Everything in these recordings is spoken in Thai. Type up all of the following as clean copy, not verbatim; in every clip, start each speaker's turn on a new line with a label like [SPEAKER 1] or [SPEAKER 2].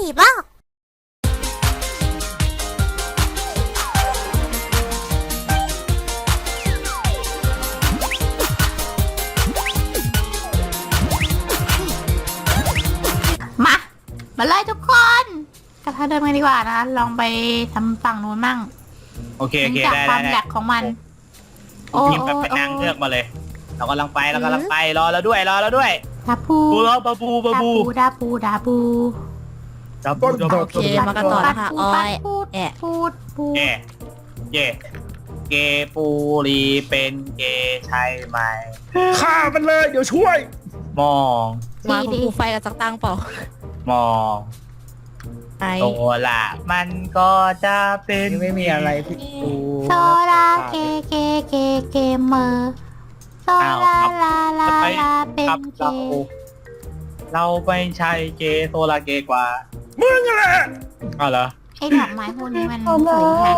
[SPEAKER 1] บ้ามาเลยทุกคนกลับทางเดิมกันดีกว่านะลองไปทำฝั่งนู้นมั่ง
[SPEAKER 2] โอเค
[SPEAKER 1] จาก
[SPEAKER 2] ได้
[SPEAKER 1] ความแหลกของมัน
[SPEAKER 2] พิมพ์ไปนางเลือกมาเลยเรากำลังไปรอแล้วด้วย
[SPEAKER 1] ดาปู
[SPEAKER 2] บาบู
[SPEAKER 1] ดาปู
[SPEAKER 2] ดาบู
[SPEAKER 3] โอเคมากันต่อนะคะอ้อยแอะ
[SPEAKER 1] ปูด
[SPEAKER 2] เย่เกปูรีเป็นเกใช่ไหม
[SPEAKER 4] ฆ่ามันเลยเดี๋ยวช่วย
[SPEAKER 2] มอง
[SPEAKER 3] มาคุณครูไฟกับจักตังเปล่าม
[SPEAKER 2] อง
[SPEAKER 3] ไอ
[SPEAKER 2] ตัวละมันก็จะเป็น
[SPEAKER 4] ไม่มีอะไรพี่ปู
[SPEAKER 1] โซลาเกมเมอร์โซลาลาเป็นเก
[SPEAKER 2] เราไม่ใช่เกโซลาเกกว่า
[SPEAKER 4] มึงอะไร
[SPEAKER 2] อ้าวเหรอ
[SPEAKER 1] ไอ้ดอกไม้พวกนี้มันสวยงาม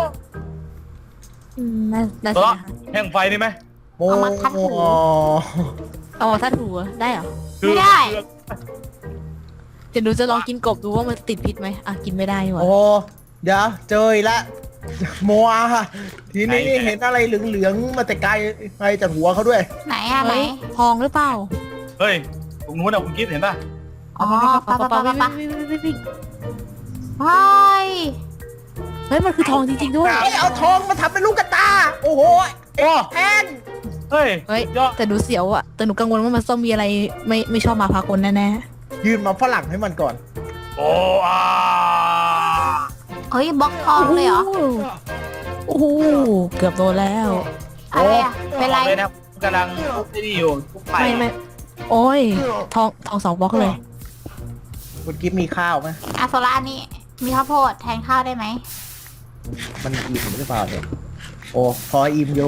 [SPEAKER 3] น่า
[SPEAKER 2] ตัว
[SPEAKER 3] จะ
[SPEAKER 2] ละแห่งไฟนี่ไหม
[SPEAKER 1] เอามาทัดหู
[SPEAKER 3] อ๋อถ้าถูได้เหรอ
[SPEAKER 1] ไม่ได้
[SPEAKER 3] เดี๋ยวหนูจะลองกินกบดูว่ามันติดพิษไหมอ่ะกินไม่ได้ดีกว่า
[SPEAKER 4] โอ้เดี๋ยวเจออีกแล้วโมอาค่ะทีนี้เห็นอะไรเหลืองๆมาแต่ไกลจากหัวเขาด้วย
[SPEAKER 1] ไหนอะไหน
[SPEAKER 3] เฮ้ยทองหรือเปล่า
[SPEAKER 2] เฮ้ยตรงนู้นอะคุณกิ๊ฟเห็นป่ะ
[SPEAKER 1] อ๋อปะ
[SPEAKER 3] วิ่ง
[SPEAKER 1] เฮ้ย
[SPEAKER 3] เฮ้ยมันคือทองจริงๆด้วย
[SPEAKER 4] เอาทองมาทำเป็นลูกกระตาโอ้โห
[SPEAKER 2] โอ้
[SPEAKER 4] แพง
[SPEAKER 2] เฮ้ย
[SPEAKER 3] เฮ้ย
[SPEAKER 2] ยอด
[SPEAKER 3] แต่หนูเสียวอะแต่หนูกังวลว่ามันต้องมีอะไรไม่ชอบมาพากลแน่
[SPEAKER 4] ยืนมาฝรั่งให้มันก่อน
[SPEAKER 2] โอ้อา
[SPEAKER 1] เฮ้ยบล็อกท
[SPEAKER 3] ๆ
[SPEAKER 1] องเลยเหรอ
[SPEAKER 3] โอ้โหเกือบโดนแล้ว
[SPEAKER 1] อะไรอะเป็นไร
[SPEAKER 2] เลยนะกำลังทุบไอ้นี่อยู่ทุบไป
[SPEAKER 3] ไม่โอ้ยทอง2 บล็อกเลย
[SPEAKER 4] คุณกิ๊ฟมีข้าวไหม
[SPEAKER 1] อะโซล่านี่มีข้าวโพดแทนข้าวได้ไหม
[SPEAKER 4] มันอิ่มหรือเปล่าเนี่ยโอ้พออิ่มอยู่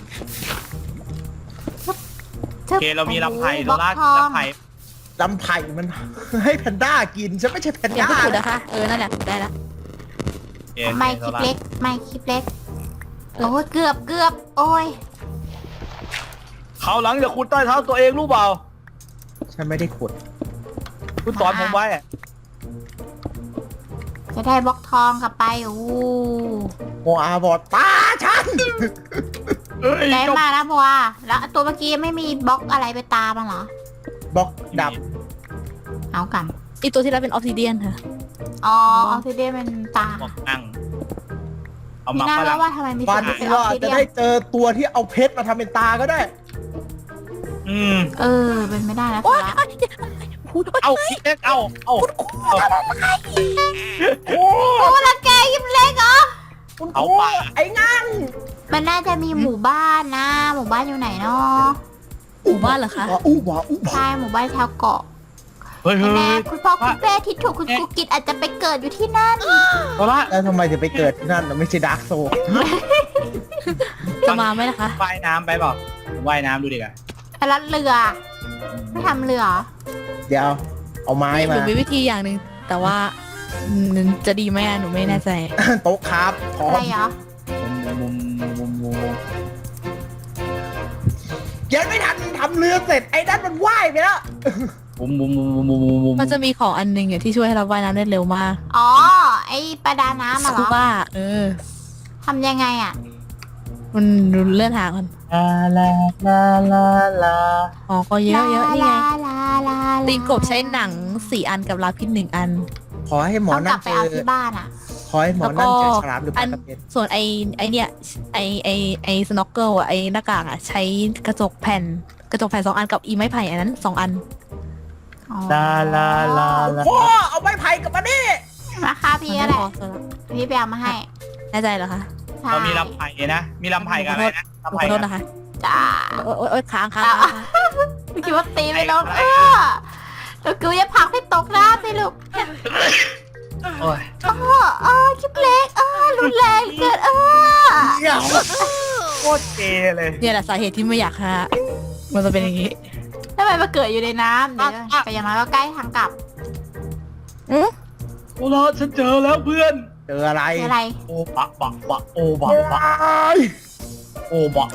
[SPEAKER 2] โอเคเรามีลำไผ่โซล่า
[SPEAKER 1] ทอง
[SPEAKER 2] ลำไผ่
[SPEAKER 4] ลำไผ่มัน ให้แพนด้ากินฉันไม่ใช่แพน
[SPEAKER 3] เดี๋ยว
[SPEAKER 4] ด้า
[SPEAKER 3] ก็ถูกนะคะนั่นแหละได้แล้ว
[SPEAKER 1] ไม่คลิปเล็กไม่คลิปเล็กโอ้ยเกือบโอ้ย
[SPEAKER 2] เขาหลังจะขุดใต้เท้าตัวเองรู้เปล่า
[SPEAKER 4] ฉันไม่ได้ขุด
[SPEAKER 2] คุณสอนผมไว้อะ
[SPEAKER 1] จะได้บล็อกทองกลับไปโอ้
[SPEAKER 4] โมอาบอดตาฉัน
[SPEAKER 2] เอ้ย
[SPEAKER 1] ได้
[SPEAKER 2] เจ้า
[SPEAKER 1] มานะบัวแล้วตัวเมื่อกี้ไม่มีบล็อกอะไรไปตามมันเหรอบ
[SPEAKER 4] ล็อกดับ
[SPEAKER 1] เอากัน
[SPEAKER 3] อีตัวที่แล้วเป็นออฟซิเดียนค่ะ
[SPEAKER 1] อ๋อออฟซิเดียนเป็นตา
[SPEAKER 2] บอกนั่งเอา
[SPEAKER 1] มี
[SPEAKER 2] มา
[SPEAKER 1] หน้า
[SPEAKER 2] ฝ
[SPEAKER 1] แล้
[SPEAKER 2] รั่
[SPEAKER 1] ว
[SPEAKER 2] ง
[SPEAKER 1] ว่าทำไมมี
[SPEAKER 4] วั
[SPEAKER 1] สิ่
[SPEAKER 4] น
[SPEAKER 1] งเป็น
[SPEAKER 4] นี้
[SPEAKER 1] อ
[SPEAKER 4] เรา
[SPEAKER 1] อฟ
[SPEAKER 4] อา
[SPEAKER 1] ซิ
[SPEAKER 4] จจะ
[SPEAKER 1] เดีย
[SPEAKER 4] ได้
[SPEAKER 1] น
[SPEAKER 4] เจอตัวที่เอาเพชรมาทำเป็นตาก็ได้
[SPEAKER 2] อืม
[SPEAKER 1] เป็นไม่ได้นะ
[SPEAKER 3] โอ๊ย
[SPEAKER 1] ครับ
[SPEAKER 2] เอาคิดเล็กเอา
[SPEAKER 4] โอ้
[SPEAKER 1] โอ้ละแกยิบเล็กเหรอ
[SPEAKER 4] คุณค
[SPEAKER 2] เอา
[SPEAKER 4] รู
[SPEAKER 2] ป่า
[SPEAKER 4] ไอ้งั่ง
[SPEAKER 1] มันน่าจะมีหมู่บ้านนะ หมู่บ้านอยู่ไหนเนาะ
[SPEAKER 3] หมู่บ้านเหรอคะ
[SPEAKER 4] อู้บ่าอู้บ่า
[SPEAKER 1] ใช่หมู่บ้านแถวเกาะ
[SPEAKER 2] เฮ้ยเฮ้
[SPEAKER 1] แน่
[SPEAKER 2] ย
[SPEAKER 1] คุณพ่อคุณแม่ที่ถูกคุณครูกิจอาจจะไปเกิดอยู่ที่นั่น
[SPEAKER 2] โซล่า
[SPEAKER 4] แล้วทำไมถึงไปเกิดที่นั่นน่ะไม่ใช่ดาร์กโซ
[SPEAKER 3] จะมาไหมนะคะ
[SPEAKER 2] ว่ายน้ำไปเปล่าว่ายน้ำดูดิกัน
[SPEAKER 1] ไปรัดเรือ ไม่ทำเรือเหรอ
[SPEAKER 4] เดี๋ยว เอาไม้
[SPEAKER 3] ห
[SPEAKER 4] มา
[SPEAKER 3] นูมีวิธีอย่างหนึ่งแต่ว่าจะดีไหมอะหนูไม่แน่ใจ
[SPEAKER 4] โต๊ะครับพร้อ
[SPEAKER 1] อะไร
[SPEAKER 4] ม
[SPEAKER 1] เหรอ
[SPEAKER 2] มุม
[SPEAKER 4] ยังไม่ทันทำเรือเสร็จไอ้นั่นมันว่ายไปแล้ว
[SPEAKER 3] มันจะมีของอันหนึงที่ช่วยให้เราว่ายน้ำได้เร็วมาก
[SPEAKER 1] อ๋อ ไอ้ประดาน้ำ
[SPEAKER 3] ส
[SPEAKER 1] อะเหร
[SPEAKER 3] กู
[SPEAKER 1] อ
[SPEAKER 3] บ้า
[SPEAKER 1] ทำยังไงอะ
[SPEAKER 3] มันเลื่อนหากัน
[SPEAKER 2] ลาลาลาลา
[SPEAKER 3] อ๋อก็เยอะนี่ไง
[SPEAKER 1] ลา
[SPEAKER 3] ตีนกบใช้หนัง4 อันกับลาพิษ1 อัน
[SPEAKER 4] ขอให้หมอ
[SPEAKER 1] ต้องก
[SPEAKER 4] นั่
[SPEAKER 1] ลั
[SPEAKER 4] น
[SPEAKER 1] บไป
[SPEAKER 4] เจ
[SPEAKER 1] เอา
[SPEAKER 4] อ
[SPEAKER 1] ที่บ้านอะ
[SPEAKER 4] ขอให้หมอนั่นเจอฉลามหรือป
[SPEAKER 3] อั
[SPEAKER 4] ลาน กระเบน
[SPEAKER 3] ส่วนไอเนี่ยไอสโนว์เกิลอะไอหน้ากากอะใช้กระจกแผ่น2 อันกับอีไม้ไผ่อันนั้น2 อัน
[SPEAKER 1] อ๋อ
[SPEAKER 2] ลาลาลาลา
[SPEAKER 4] พ่อเอาไม้ไผ่กลับมาดิ
[SPEAKER 1] ราคาพี่ก็แหละ
[SPEAKER 3] พอสำหรับ
[SPEAKER 1] พี่ไปเอามาให้
[SPEAKER 3] แน่ใจเหรอคะ
[SPEAKER 1] ใช่
[SPEAKER 2] เรามีลำไผ่นะ มีลำไผ่กับอะไรนะ
[SPEAKER 3] ขอ
[SPEAKER 2] ลำไผ่
[SPEAKER 3] โทษนะคะ
[SPEAKER 1] จ้า
[SPEAKER 3] โอ๊ยค้าง
[SPEAKER 1] ไม่คิดว่าตีไปแล้วแล้วกูจะผลักให้ตกน้ำไปลูก
[SPEAKER 2] โอ้ย
[SPEAKER 1] คลิปเล็กรุนแรงเกิน
[SPEAKER 4] เดี๋ยว
[SPEAKER 2] โคตรเกเลย
[SPEAKER 3] เนี่ยแหละสาเหตุที่ไม่อยากฮะมันจะเป็นอย่างนี้
[SPEAKER 1] ทำไมมาเกิดอยู่ในน้ำเดี๋ยวแต่อย่างน้อยก็ใกล้ทางกลับ
[SPEAKER 2] โอ้โหฉันเจอแล้วเพื่อน
[SPEAKER 4] เจออะไร
[SPEAKER 1] คืออะไร
[SPEAKER 2] โอ้บะโอ้บะโอ้บะ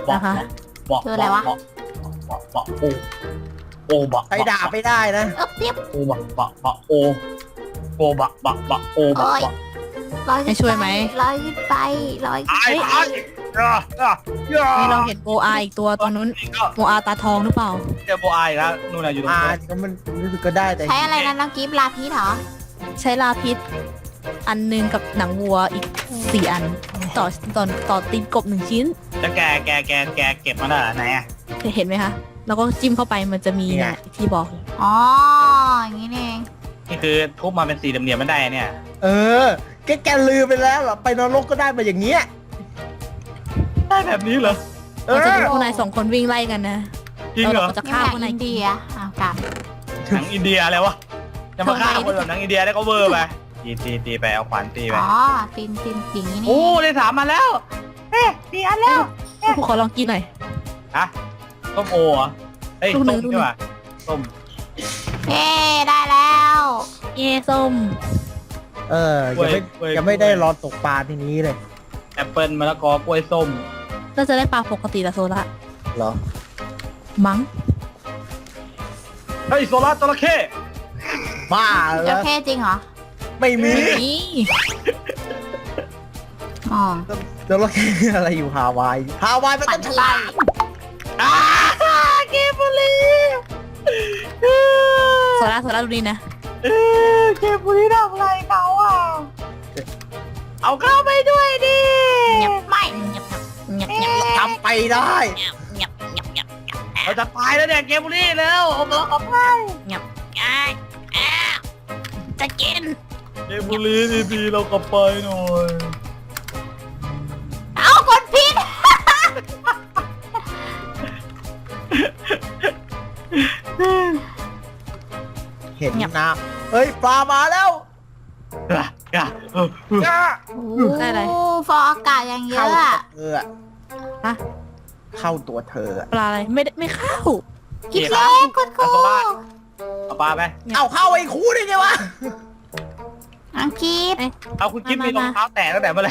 [SPEAKER 2] โอ้บะ
[SPEAKER 4] ใช้ดาบไม่ได้นะ
[SPEAKER 1] เรียบ
[SPEAKER 2] โอ้บะโอ้โบบะบะบะโอบะบะ
[SPEAKER 1] ลอย
[SPEAKER 3] ให้ช่วยไหม
[SPEAKER 1] ลอยขึ้นไปลอยขึ้น
[SPEAKER 2] ไอ้
[SPEAKER 1] ไป
[SPEAKER 2] ไอ้ย่า
[SPEAKER 3] นี่เราเห็นโบอาอีกตัวตรงนู้น
[SPEAKER 2] นี่ก็
[SPEAKER 3] โบอาตาทองหรือเปล่า
[SPEAKER 2] เจอโบอายแล้วนู่นน่ะอยู่ตรง
[SPEAKER 4] อ่า
[SPEAKER 2] นู้น
[SPEAKER 4] ก็มันรู้สึกก็ได้แต่
[SPEAKER 1] ใช้อะไรนะน้องกิฟต์ลาพีชเหรอ
[SPEAKER 3] ใช้ลาพิษอันหนึงกับหนังวัวอีก4 อันต่อตีนกบ1 ชิ้น
[SPEAKER 2] จะแกเก็บมาได้เหรอไหนอ่ะ
[SPEAKER 3] เห็นไหมคะแล้วก็จิ้มเข้าไปมันจะมีเนี่ยที่บอก
[SPEAKER 1] อ๋ออย่างนี้นี่เอง
[SPEAKER 2] นี่คือทุบมาเป็นสี่เหลี่ยมๆไม่ได้เนี่ย
[SPEAKER 4] เออแกลืมไปแล้วเหรอไปนรกก็ได้มาอย่างเงี้ย
[SPEAKER 2] ได้แบบนี้เหรอ
[SPEAKER 4] เอ
[SPEAKER 3] เรา
[SPEAKER 4] อ
[SPEAKER 3] จะดูพวกนาย2 คนวิ่งไล่กันนะ
[SPEAKER 2] จริงเหรอ
[SPEAKER 3] เราจะ
[SPEAKER 1] นี่
[SPEAKER 3] ฆ่า
[SPEAKER 1] หนั
[SPEAKER 3] พว
[SPEAKER 1] ง
[SPEAKER 3] กนาย
[SPEAKER 1] อินเดียอ้าวกลับ
[SPEAKER 2] หนังอินเดียอะไรวะจะมาฆ่าคนแบบหนังอินเดียได้ก็เวอร์ไปตีไปเอาขวานตีไป
[SPEAKER 1] อ๋อตีนอย่างนี้นี่
[SPEAKER 2] โอ้ได้3มาแล้วเอ๊ะ4 อันแล้ว
[SPEAKER 3] ผู้ขอลองกินหน่อย
[SPEAKER 2] ฮะส้มโอเหรอเฮ้ย
[SPEAKER 3] ลูกหนึ่
[SPEAKER 2] ส้
[SPEAKER 3] ง
[SPEAKER 2] มใช่ป่ะส้ม
[SPEAKER 1] เย้ได้แล้ว
[SPEAKER 3] เย่ส้ม
[SPEAKER 4] เออยังไม่ได้รอตกปลาทีนี้เลย
[SPEAKER 2] แอปเปิลมะละกอกล้วยส้ม
[SPEAKER 3] เราจะได้ปลาปกติละโซละ
[SPEAKER 4] เหรอ
[SPEAKER 3] มั้ง
[SPEAKER 2] เฮ้ยโซล่าจระเข้
[SPEAKER 4] บ้า
[SPEAKER 1] จ
[SPEAKER 4] แล้
[SPEAKER 1] ระ
[SPEAKER 4] ว
[SPEAKER 1] เข้จริงเหรอ
[SPEAKER 4] ไม่มี
[SPEAKER 3] นี่
[SPEAKER 1] อ๋อ
[SPEAKER 4] จระเข้อะไรอยู่ฮาวายมัน
[SPEAKER 1] ปั่
[SPEAKER 4] ต้
[SPEAKER 1] น
[SPEAKER 4] องฉ
[SPEAKER 1] ไฟ
[SPEAKER 4] ลาด
[SPEAKER 2] เกมบุรี
[SPEAKER 3] โซละดูนี่นะ
[SPEAKER 2] เกมบุรีทำอะไรเขาอ่ะเอาเข้าไปด้วยดิ
[SPEAKER 1] เงียบไม่เงียบ
[SPEAKER 3] เงียบเงียบ
[SPEAKER 4] ทำไปได้
[SPEAKER 3] เงียบเงียบเงียบเงียบ
[SPEAKER 2] เราจะตายแล้วเนี่ยเกมบุรีแล้วเอามาเอาไป
[SPEAKER 3] จะกิน
[SPEAKER 2] เกมบุรีดีๆเรากลับไปหน่อย
[SPEAKER 1] เอากดผิด
[SPEAKER 4] เห็นนะเฮ้ยปลามาแล้ว
[SPEAKER 3] ได้อะไร
[SPEAKER 1] โอ้ฟองอากาศอย่างเย
[SPEAKER 4] เข้า
[SPEAKER 1] อะ
[SPEAKER 4] ตัว
[SPEAKER 1] อะ
[SPEAKER 4] เธออะ
[SPEAKER 3] ฮะ
[SPEAKER 4] เข้าตัวเธออะ
[SPEAKER 3] ปลาอะไรไม่เข้า
[SPEAKER 1] กินเล็กคุณครู
[SPEAKER 2] เอาปลาไป
[SPEAKER 4] เอาเข้าไอ้คูได้ไงวะ
[SPEAKER 1] อังกีบ
[SPEAKER 2] เอาคุณกิฟต์มีรองเท้าแตะตั้งแต่เมื่อไหร่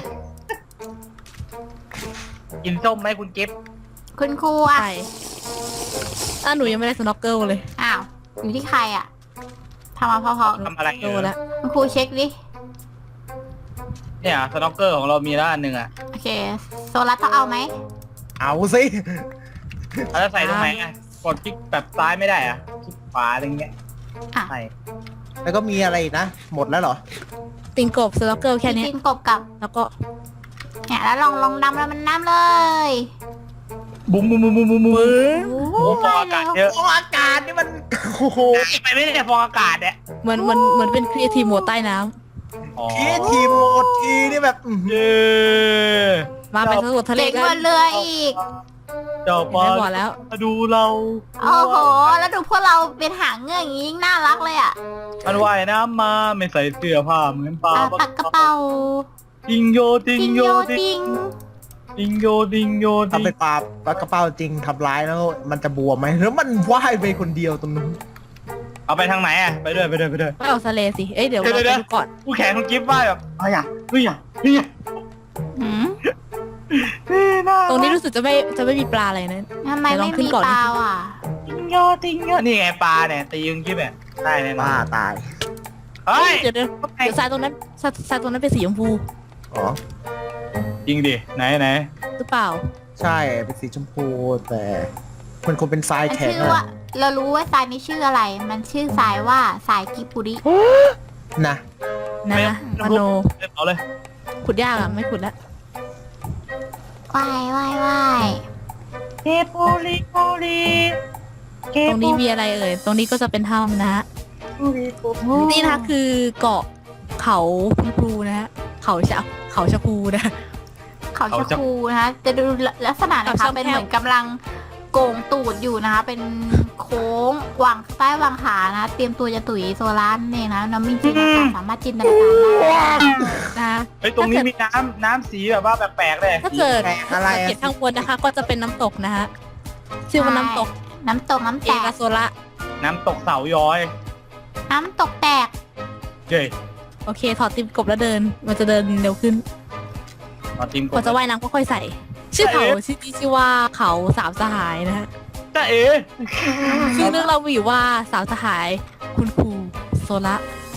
[SPEAKER 2] กินส้มไหมคุณกิฟต์
[SPEAKER 1] คุณครูอ่ะ
[SPEAKER 3] ใช่หนูยังไม่ได้สโนว์เกิลเลย
[SPEAKER 1] อ้าวอยู่ที่ใครอ่ะทำมาพอ
[SPEAKER 2] ทำอะไร
[SPEAKER 3] โตแล้ว
[SPEAKER 1] ๆคุณครูเช็คดิ
[SPEAKER 2] เนี่ยสน็อกเกอร์ของเรามีแล้วอันหนึ่งอ่ะ
[SPEAKER 1] โอเคโซลัสต้องเอาไหม
[SPEAKER 4] เอาสิ
[SPEAKER 2] เราจะใส่ตรงไหนอ่ะกดคลิกแบบซ้ายไม่ได้อ่ะคลิกขวาอะไรเงี้ย
[SPEAKER 1] อ่ะ
[SPEAKER 2] ใช่
[SPEAKER 4] แล้วก็มีอะไรอีกนะ หมดแล้วเหรอ
[SPEAKER 3] ติงกบสโนว์เกิลแค่นี้
[SPEAKER 1] กินกบกับ
[SPEAKER 3] แล้วก็
[SPEAKER 1] เนี่ยแล้วลองดำแล้วมันน้ำเลย
[SPEAKER 2] บุ้มบุ้มบุ้มบุ้มบุ้มบุ้ม
[SPEAKER 1] โอ้
[SPEAKER 2] โอ้ฟองอากาศเยอะ
[SPEAKER 4] โอ้อากาศนี่มัน โอ้โห
[SPEAKER 2] ไปไม่ได้ฟองอากาศเนี่ย
[SPEAKER 3] เหมือนเป็นครีเอทีฟโหมดใต้น้
[SPEAKER 2] อ๋อ
[SPEAKER 4] ทีมโหมดทีนี่แบบอื้อหือ
[SPEAKER 2] เย้
[SPEAKER 3] ำมาไปสำรวจทะเล
[SPEAKER 1] เด็ก
[SPEAKER 3] กัน
[SPEAKER 1] บนเรืออีก
[SPEAKER 2] เจ้าปลา
[SPEAKER 3] ไม่บอกแล้ว
[SPEAKER 2] มาดูเรา
[SPEAKER 1] โอ้โห แล้วดูพวกเราเป็นหางเงือกอย่างนี้ยิ่งน่ารักเลยอ่ะ
[SPEAKER 2] มันว่ายน้ำมาไม่ใส่เสื้อผ้าเหมือนปลา
[SPEAKER 1] ปักกระเป๋า
[SPEAKER 2] ติงโยติง
[SPEAKER 1] ติง
[SPEAKER 2] โย
[SPEAKER 1] โย
[SPEAKER 2] ติ
[SPEAKER 1] ติ
[SPEAKER 2] ง
[SPEAKER 1] ง
[SPEAKER 2] ติงโยติงโยติ
[SPEAKER 4] ทำ
[SPEAKER 2] ง
[SPEAKER 4] เป็นปลากระเป๋าจริงทำร้ายแล้วมันจะบวมไหมแล้วมันว่ายไปคนเดียวตรงนู้น
[SPEAKER 2] เอาไปทางไหนอ่ะไปด้วย
[SPEAKER 3] ไม่เอาทะเลสิ เอ้ยเดี๋ยวเราไปดูก่อน
[SPEAKER 2] ผู้แข่งคุณกิฟต์ว่ายแบบเฮ้ยเฮ้ยเฮ้ย
[SPEAKER 1] หืม
[SPEAKER 3] ตรงนี้รู้สึกจะไม่มีปลาอะไรนะ
[SPEAKER 1] ทำไม
[SPEAKER 3] เดี๋ยวลอ
[SPEAKER 1] ไม่
[SPEAKER 3] งขึ้
[SPEAKER 1] มี
[SPEAKER 3] นก่อน
[SPEAKER 1] ปลาอ่ะ
[SPEAKER 2] ติงโยติงโยนี่ไงปลาเนี่ยตีคุณกิฟต์เนี่ยได้แน่นอ
[SPEAKER 4] บ้าน ตาย
[SPEAKER 2] เฮ้ย
[SPEAKER 3] เดี๋ยวทรายตรงนั้นทรายตรงนั้นเป็นสีชมพู
[SPEAKER 4] อ๋อ
[SPEAKER 2] จริงดิไหน
[SPEAKER 3] หรือเปล่า
[SPEAKER 4] ใช่เป็นสีชมพูแต่มันคงเป็นทราย
[SPEAKER 1] มัน
[SPEAKER 4] แข็ง
[SPEAKER 1] ชื่อว่า เรารู้ว่าทรายนี้ชื่ออะไร มันชื่อทรายว่าทรายกิปุริ
[SPEAKER 4] นะ
[SPEAKER 3] นะมโน
[SPEAKER 2] เอาเลย
[SPEAKER 3] ขุดยากอ่ะ ไม่ขุดแล้ว
[SPEAKER 1] ว่ายว่ายว่าย
[SPEAKER 2] เกปูริโกริ
[SPEAKER 3] ตรงนี้มีอะไรเอ่ย ตรงนี้ก็จะเป็นถ้ำนะฮะ นี่นะคะคือเกาะเขาคุณครูนะฮะ เขาชะพูนะ
[SPEAKER 1] เขาชะพูนะคะจะดูลักษณะนะคะ
[SPEAKER 3] เขาชะพู
[SPEAKER 1] เป็นเหมือนกำลังโก่งตูดอยู่นะคะ เป็นโค้งวางใต้วางขานะคะ เตรียมตัวจะตุ๋ยโซลาร์นี่นะน้องมินจินะคะสามารถจินตนาการได้
[SPEAKER 3] นะคะ
[SPEAKER 2] เฮ้ยตรงนี้มีน้ำสีแบบว่าแปลกๆเลย
[SPEAKER 3] ถ้าเกิด
[SPEAKER 4] แปลกอะไร
[SPEAKER 3] สัง
[SPEAKER 4] อะ
[SPEAKER 3] เกตข้างบนนะคะ ก็จะเป็นน้ำตกนะฮะ ชื่อว่าน้ำตก
[SPEAKER 1] น้ำตกน้ำ
[SPEAKER 3] เอ
[SPEAKER 1] แตก
[SPEAKER 3] กาโซระ
[SPEAKER 2] น้ำตกเสาย้อย
[SPEAKER 1] น้ำตกแตก
[SPEAKER 2] เย้
[SPEAKER 3] โอเค ถอดติมกบแล้วเดิน มันจะเดินเร็วขึ้น
[SPEAKER 2] มาทีม
[SPEAKER 3] กว่าจะว่ายน้ำก็ค่อยใส่ ชื่อเขาชื่อว่าเขาสามสหายนะฮะ
[SPEAKER 2] จ้าเอ๋
[SPEAKER 3] ซึ่งเรื่องเรามีอยู่ว่าสาวสหายคุณครูโซละ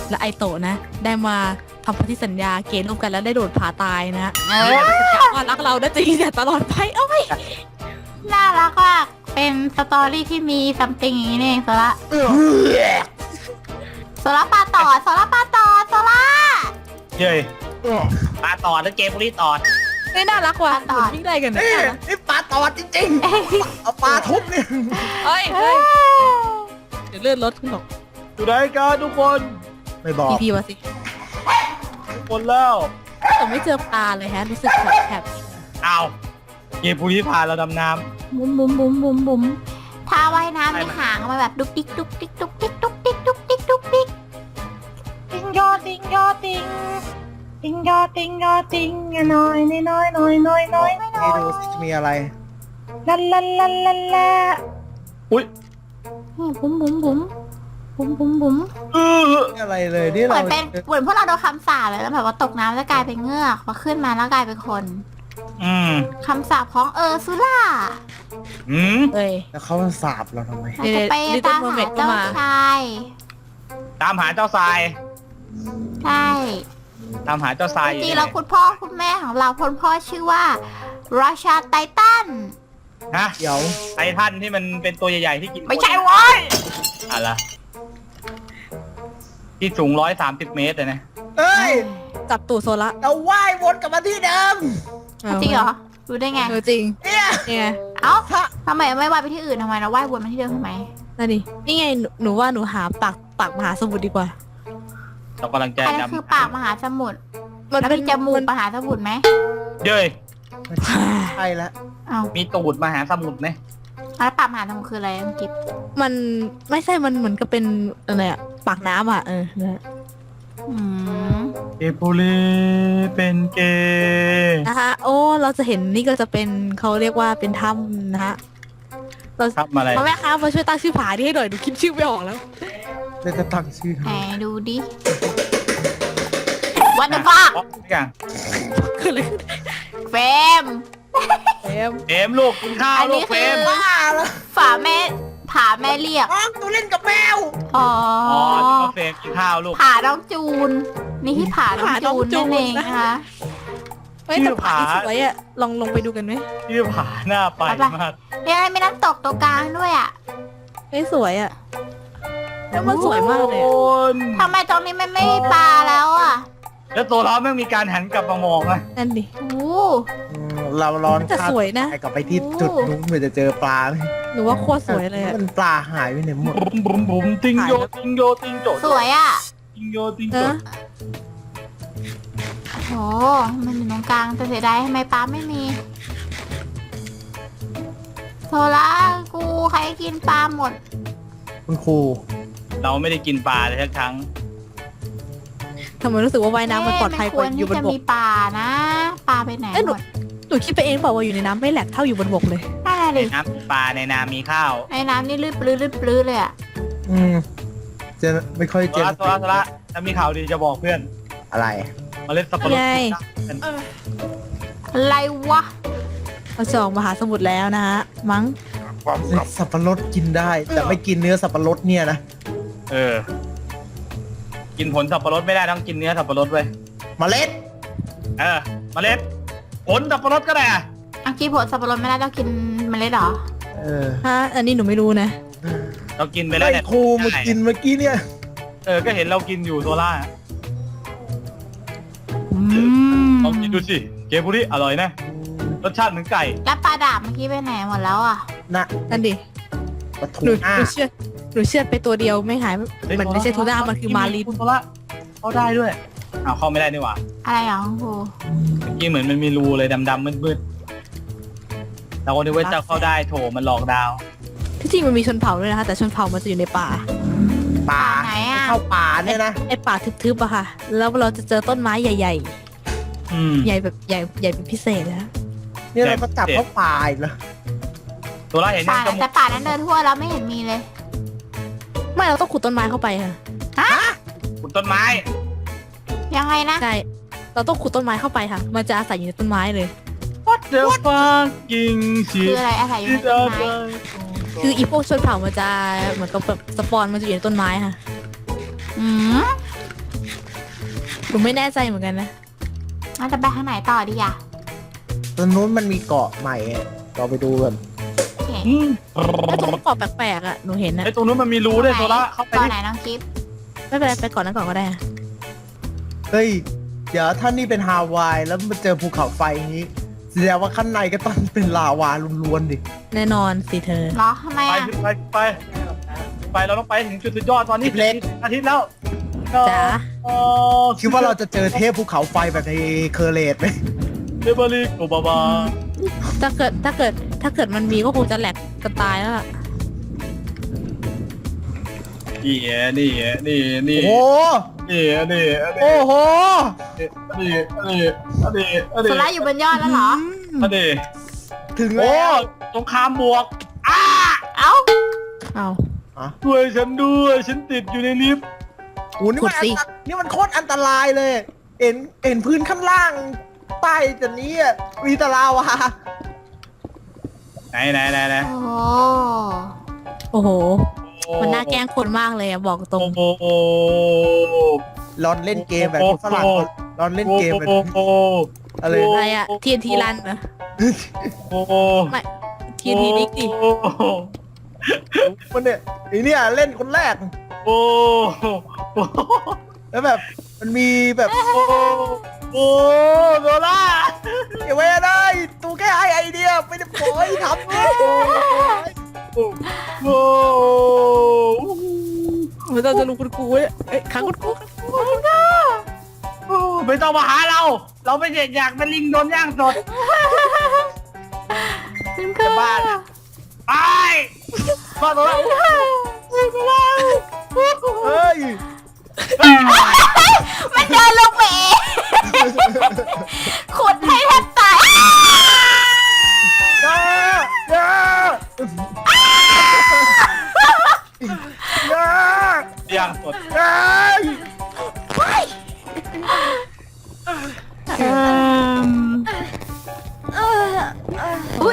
[SPEAKER 3] และไอโตะนะ ได้มาทำพันธสัญญาเกณฑ์ร่วมกันแล้วได้โดดผาตายนะ
[SPEAKER 1] เออ
[SPEAKER 3] จะว่ารักเราได้จริงเนี่ยตลอดไปเอ้ย
[SPEAKER 1] น่ารักมากเป็นสตอรี่ที่มีซัมติงอย่างนี้นี่เองโซล่าโซล่าปลาต่อโซล่าปลาต่อโซล่า
[SPEAKER 2] เย้ยปลาตอดแล้วเกมบุรีตอด
[SPEAKER 3] นี่น่ารักว่ะ
[SPEAKER 1] ต่อ
[SPEAKER 3] วิ่งได้กันนะ
[SPEAKER 4] นี่ปลาตอดจริงๆเอาปลาทุบเนี่ย
[SPEAKER 3] เฮ้ยเดี๋ยวเลื่อนรถขึ้นหรอก
[SPEAKER 2] อยู่ไหนกันทุกคน
[SPEAKER 4] ไม่บอก
[SPEAKER 3] พีมาสิ
[SPEAKER 2] ทุกคนแล้ว
[SPEAKER 3] แต่ไม่เจอปลาเลยฮะรู้สึกแถบ
[SPEAKER 2] อ้าวเกมบุรีพาเราดำน้
[SPEAKER 1] บุ้มบุ้มบุ้มบุ้มบุ้มถ้าว่ายน้ำในหางมาแบบดุกดิกดุกดิกดุกดิกดุกดิกดุกดิกดุกดิก
[SPEAKER 5] ติงยอติงยอติงติงยอติงยอติงน้อยน้อยน้อยน้อยน้อย
[SPEAKER 4] ให้ดูสิมีอะไร
[SPEAKER 5] ลันลันลันลันละ
[SPEAKER 2] ำอุ้ย
[SPEAKER 1] นี่บุ้มบุ้มบุ้มบุ้มบุ้มบุ้ม
[SPEAKER 4] นี่อะไรเลยนี่
[SPEAKER 1] เหมื
[SPEAKER 4] เรา
[SPEAKER 1] อนเป็นเหมือนพวกเราโดนคำสาปเลยแล้วแบบว่าตกน้ำแล้วกลายเป็นเงือกพอขึ้นมาแล้วกลายเป็นคน
[SPEAKER 2] อืม
[SPEAKER 1] คำสาปของซูล่า
[SPEAKER 2] อืม
[SPEAKER 3] เอ้ย
[SPEAKER 4] แล้วเขาสาบเราทำไม
[SPEAKER 1] เราจะไป
[SPEAKER 3] Little
[SPEAKER 1] ตามหา
[SPEAKER 3] Mermaid ก็
[SPEAKER 1] เจ้า
[SPEAKER 3] มา
[SPEAKER 1] ชาย
[SPEAKER 2] ตามหาเจ้าทราย
[SPEAKER 1] ใช่
[SPEAKER 2] ตามหาเจ้าทราย
[SPEAKER 1] จริงๆแล้วคุณพ่อคุณแม่ของเราคุณพ่อชื่อว่าราชาไททัน
[SPEAKER 2] ฮะ
[SPEAKER 4] เดี๋ยว
[SPEAKER 2] ไททันที่มันเป็นตัวใหญ่ๆที่กิน
[SPEAKER 1] ไม่ใช่เว้ย
[SPEAKER 2] อะไรที่สูง130 เมตรเลยนะ
[SPEAKER 4] เอ้ย
[SPEAKER 3] จับตูดโซละ
[SPEAKER 4] เราว่ายวนกลับมาที่เดิม
[SPEAKER 1] จริงเหรอรู้ได้ไง
[SPEAKER 3] เออจริง
[SPEAKER 4] เนี่ย
[SPEAKER 3] เนี่ย
[SPEAKER 1] เอ้าทำไมไม่ว่ายไปที่อื่นทำไมเราว่ายวนมาที่เดิมทำไม
[SPEAKER 3] นั่นดินี่ไงหนูว่าหนูหาปากมหาสมุทรดีกว่า
[SPEAKER 2] เรากำลังจะ
[SPEAKER 1] อันนั้นคือปากมหาสมุทร
[SPEAKER 3] มัน
[SPEAKER 1] แล้ว
[SPEAKER 3] เป็น
[SPEAKER 1] มีจมูกมหาสมุทรไหม
[SPEAKER 2] เย้ย
[SPEAKER 4] ใช่แล้ว
[SPEAKER 1] เอ้า
[SPEAKER 2] มีตูดมหาสมุทรไหม
[SPEAKER 1] แล้วปากมหาสมุทรคืออะไรคุณกิฟต์
[SPEAKER 3] มันไม่ใช่มันเหมือนกับเป็นอะไรอะปากน้ำอ่ะนะ
[SPEAKER 1] อืม
[SPEAKER 2] เกปุรีเป็นเกย์
[SPEAKER 3] นะคะโอ้เราจะเห็นนี่ก็จะเป็นเขาเรียกว่าเป็นถ้ำนะฮะเรา
[SPEAKER 2] ครับมาอะไร
[SPEAKER 3] พ่อแม่คะมาช่วยตั้งชื่อผาที่ให้หน่อยหนูคิดชื่อไม่ออกแล้ว
[SPEAKER 4] แล้วจะตั้งชื่อทำ
[SPEAKER 1] ไหน
[SPEAKER 4] ไม
[SPEAKER 1] ดูดิ What the fuck
[SPEAKER 2] ทุกอย่าง
[SPEAKER 3] คืออะไร
[SPEAKER 1] เฟรม
[SPEAKER 3] เอ็ม
[SPEAKER 2] เฟรมลูกกินข้าว
[SPEAKER 1] อัน
[SPEAKER 2] ลู
[SPEAKER 1] นี้
[SPEAKER 2] กเฟ
[SPEAKER 1] คื
[SPEAKER 2] ร
[SPEAKER 1] อ
[SPEAKER 2] ม
[SPEAKER 4] บ้าแล้ว
[SPEAKER 1] ฝาแม่ผาแม่เรียก
[SPEAKER 4] อ๋อตัวเล่นกับแมว
[SPEAKER 1] อ๋อ
[SPEAKER 2] อ๋อ
[SPEAKER 1] อ
[SPEAKER 2] นี่ก็เฟรมกินข้าวลูก
[SPEAKER 1] ผาน้องจูน นี่ที่ผาน้องจูนนั่นเองนะคะ
[SPEAKER 3] เฮ้ยแต่ผาที่สวยอ่ะลงไปดูกันไหม
[SPEAKER 2] ชื่อผาหน้าไปมาก
[SPEAKER 1] เนี่ยมีน้ำตกตัวกลางด้วยอ่ะ
[SPEAKER 3] เฮ้ยสวยอ่ะแล้วมันสวยมากเลย
[SPEAKER 2] โอ
[SPEAKER 3] อะ
[SPEAKER 2] น
[SPEAKER 1] ทำไมตรงนี้มันไม่มีปลาแล้วอ่ะ
[SPEAKER 2] แล้วตัวเราไม่มีการหันกลับมามองนะ
[SPEAKER 3] นั่นดิ
[SPEAKER 1] โอ้
[SPEAKER 4] เราร้อน
[SPEAKER 3] แต่สวยนะ
[SPEAKER 4] ไปกลับไปที่จุดนู้นเพื่อจะเจอปลาไหม
[SPEAKER 3] หนูว่าโคตรสวยเลยอ่ะ
[SPEAKER 4] มันปลาหายไปไหนหมด
[SPEAKER 2] บุ๋มบุ๋มบุ๋มติงโยติงโยติงโจ
[SPEAKER 1] สวยอ่ะ
[SPEAKER 2] ติงโยติงโจ
[SPEAKER 3] นะ
[SPEAKER 1] โอ้มันอยู่ตรงกลางแต่เสียดายทำไมปลาไม่มีโซล่ากูใครกินปลาหมด
[SPEAKER 4] คุณครู
[SPEAKER 2] เราไม่ได้กินปลาเลยสักครั้ง
[SPEAKER 3] ทำไมรู้สึกว่าว่ายน้ำมันปลอดภัยกว่าอยู่บน
[SPEAKER 1] จะ
[SPEAKER 3] บ
[SPEAKER 1] มี
[SPEAKER 3] ก
[SPEAKER 1] ปลานะ ปลาไปไหน
[SPEAKER 3] เอ้ย
[SPEAKER 1] หมด
[SPEAKER 3] หนูคิดไปเองเปล่าว่าอยู่ในน้ำไม่แหลกเท่าอยู่บนบกเลย
[SPEAKER 1] นั่นแหละ
[SPEAKER 2] ใน
[SPEAKER 1] ดิ
[SPEAKER 2] น้ำมีปลาในนามีข้าว
[SPEAKER 1] ในน้ำนี่ลืดปลื้ดลืดปลื้ดเลยอ่ะ
[SPEAKER 4] อืมจะไม่ค่อย
[SPEAKER 2] โซ
[SPEAKER 4] เจอ
[SPEAKER 2] ละโซละโซละถ้ามีข่าวดีจะบอกเพื่อน
[SPEAKER 4] อะไร
[SPEAKER 2] เมล็ดสับปะรด
[SPEAKER 3] ไง
[SPEAKER 2] กินได้
[SPEAKER 1] อะไรวะ
[SPEAKER 3] เราจะออกมหาสมุทรแล้วนะฮะมั้ง
[SPEAKER 4] สับปะรดกินได้ แต่ไม่กินเนื้อสับปะรดเนี่ยนะ
[SPEAKER 2] เออ กินผลสับปะรดไม่ได้ต้องกินเนื้อสับปะรดเว้ย
[SPEAKER 4] เมล็ด
[SPEAKER 2] เออเมล็ดผลสับปะรดก็ได้อะ
[SPEAKER 1] อังกี้ผลสับปะรดไม่ได้ต้องกินเมล็ดเหรอ
[SPEAKER 4] เออ
[SPEAKER 3] ฮะอันนี้หนูไม่รู้นะ
[SPEAKER 2] เรากินไปแล้ว
[SPEAKER 4] ไอ้
[SPEAKER 2] เนี่ย
[SPEAKER 4] ครูมากินเมื่อกี้เนี่ย
[SPEAKER 2] เออก็เห็นเรากินอยู่โซล่า
[SPEAKER 1] อืม
[SPEAKER 2] ลองกินดูสิเกบุริอร่อยนะรสชาติเหมือนไก่
[SPEAKER 1] แล้วปลาดาบเมื่อกี้ไปไหนหมดแล้วอ่ะ
[SPEAKER 4] นะ
[SPEAKER 3] นั่นดิ
[SPEAKER 4] ปลาทู
[SPEAKER 3] หนู
[SPEAKER 4] น่า
[SPEAKER 3] เชื่อไปตัวเดียวไม่หาย
[SPEAKER 2] เฮ้ย
[SPEAKER 3] มันไม่ใช่ทูน่ามันคือมาลิน
[SPEAKER 2] คุณโซล่าเข้าได้ด้วยอ้าวเข้าไม่ได้นี่หว่า
[SPEAKER 1] อะไรอ่ะคุณครู
[SPEAKER 2] เมื่อกี้เหมือนมันมีรูเลยดำๆมืดๆเราก็นึกว่าจะเข้าได้โถมันหลอกดาว
[SPEAKER 3] ที่จริงมันมีชนเผ่าด้วยนะคะแต่ชนเผ่ามันจะอยู่ในป่า
[SPEAKER 4] ป่า
[SPEAKER 1] ไหนอ่ะ
[SPEAKER 4] เข้าป่าเนี่ยนะ
[SPEAKER 3] ไอป่าทึบๆอะค่ะ แล้วเราจะเจอต้นไม้ใหญ่
[SPEAKER 2] อืม
[SPEAKER 3] ๆ ใหญ่แบบใหญ่เป็นพิเศษนะ
[SPEAKER 4] เนี่ยเราก็จับเข้าป่าอีกแล้ว
[SPEAKER 2] โซล่าเห็น
[SPEAKER 1] ป่า
[SPEAKER 2] ยังจมู
[SPEAKER 1] แต่
[SPEAKER 2] ก
[SPEAKER 1] ป่านั้นเดินทั่วแล้วไม่เห็นมีเลย
[SPEAKER 3] ไม่เราต้องขุดต้นไม้เข้าไปค่ะ
[SPEAKER 2] ขุดต้นไม้
[SPEAKER 1] ยังไงนะ
[SPEAKER 3] ใช่เราต้องขุดต้นไม้เข้าไปค่ะ มันจะอาศัยอยู่ในต้นไม้เลย
[SPEAKER 2] What the fucking
[SPEAKER 1] คือ
[SPEAKER 2] shit
[SPEAKER 1] อะไรอาศัยอยู่ในต้นไม้
[SPEAKER 3] คืออีพวกชนเผ่ามันจะเหมือนกับแบบสปอนมันจะอยู่ในต้นไม้ค่ะ
[SPEAKER 1] อืม
[SPEAKER 3] หนูไม่แน่ใจเหมือนกันนะ
[SPEAKER 1] เราจะไปทางไหนต่อดีอ่ะ
[SPEAKER 4] ตรงนู้นมันมีเกาะใหม่อะเราไปดูกัน
[SPEAKER 1] โอเค
[SPEAKER 3] ถ้าตรงเกาะแปลกๆอ่ะหนูเห็นนะ
[SPEAKER 2] ไอ้ตรงนู้นมันมีรูด้วยโซล่าเข้าไป
[SPEAKER 1] ต่อ
[SPEAKER 2] ดิ
[SPEAKER 1] ไหนน้องกิฟต์
[SPEAKER 3] ไม่เป็นไรไปก่อนนั้นก่อนก็ได้อะ
[SPEAKER 4] เฮ้ยเดี๋ยวถ้านี่เป็นฮาวายแล้วมาเจอภูเขาไฟอย่างนี้แสดงว่าข้างในก็ต้องเป็นลาวาล้วนๆดิ
[SPEAKER 3] แน่นอนสิเธอ
[SPEAKER 1] เหรอทำไม
[SPEAKER 2] ไป
[SPEAKER 1] อ่ะ
[SPEAKER 2] ขึ้นไปเราต้องไปถึงจุดสุดยอดตอนนี้อาทิตย์แล้ว
[SPEAKER 3] จ๋า
[SPEAKER 4] คิดว่าเราจะเจอเทพภูเขาไฟแบบในเคอร์เลตไหม
[SPEAKER 2] เดบริโกบาบา
[SPEAKER 3] ถ้าเกิดมันมีก็คงจะแหลกกันตายแล้วล่ะ
[SPEAKER 2] นี่
[SPEAKER 4] โอ้โห
[SPEAKER 2] นี่
[SPEAKER 4] โอ้โห
[SPEAKER 1] โซล่าอยู่บนยอดแล้วเหรอ
[SPEAKER 4] ถึง
[SPEAKER 2] โอ้
[SPEAKER 4] แล้ว
[SPEAKER 2] สงครามบวก
[SPEAKER 1] เอ้า
[SPEAKER 3] เอา
[SPEAKER 2] ช่วยฉันด้วยฉันติดอยู่ในลิฟต์
[SPEAKER 4] โอ้นี่มันนี่มันโคตรอันตรายเลย เห็นพื้นข้างล่างใต้จากนี้อ่ะมีแตะลาวา
[SPEAKER 2] ไหน
[SPEAKER 1] โอ้โห
[SPEAKER 3] โอ้โห มันน่าแกล้งคนมากเลยอะบอกตรง
[SPEAKER 2] โอ้
[SPEAKER 4] รอนเล่นเกมแบบที่ฝรั่งรอนเล่นเกมแบบอะไร
[SPEAKER 3] อะไรอะ TNT รันเหรอ ไม่ TNT นิกดิ
[SPEAKER 4] มันเนี่ยไอเนี่ยเล่นคนแรก
[SPEAKER 2] โอ้
[SPEAKER 4] แล้วแบบมันมีแบบ
[SPEAKER 2] โอ้โซล่า
[SPEAKER 4] อย่าไว้ได้ตูแค่ไอเดียไม่ได้บอกให้ทำเนี่ย
[SPEAKER 2] โอ้
[SPEAKER 3] ไม่ต้องจะรู้คุณครูเนี่ยเอ้ยขังคุณครู
[SPEAKER 2] ไม่ต้องมาหาเรา เราไม่อยากเป็นลิงโดนย่างสด จะบ้าไปมาตัว
[SPEAKER 4] เฮ้ย
[SPEAKER 1] มันเดินลงไปเองขุดให้แทบตาย
[SPEAKER 4] อย่าอย่าอย่า
[SPEAKER 2] ย่างสด
[SPEAKER 4] อย่า
[SPEAKER 1] อุ้ย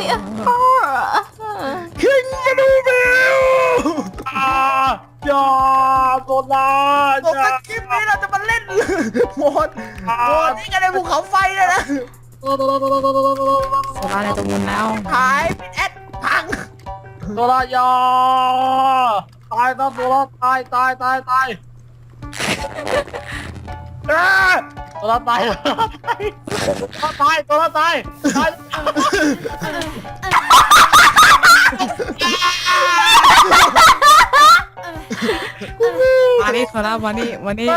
[SPEAKER 4] ขึ้นมาดูวิว
[SPEAKER 2] อย่าโซล่า
[SPEAKER 4] ผมว่าคลิปนี้เราจะมาเล่นโหมดนี่กันในภูเขาไฟเลยนะ
[SPEAKER 3] โซล่าในตัวมุนแล้ว
[SPEAKER 4] หายเป็นแอดพัง
[SPEAKER 2] โซล่าอย่าตายนะโซล่าตายโซล่าตายโซล่าตาย
[SPEAKER 3] มานี่โซล่ามานี่มานี่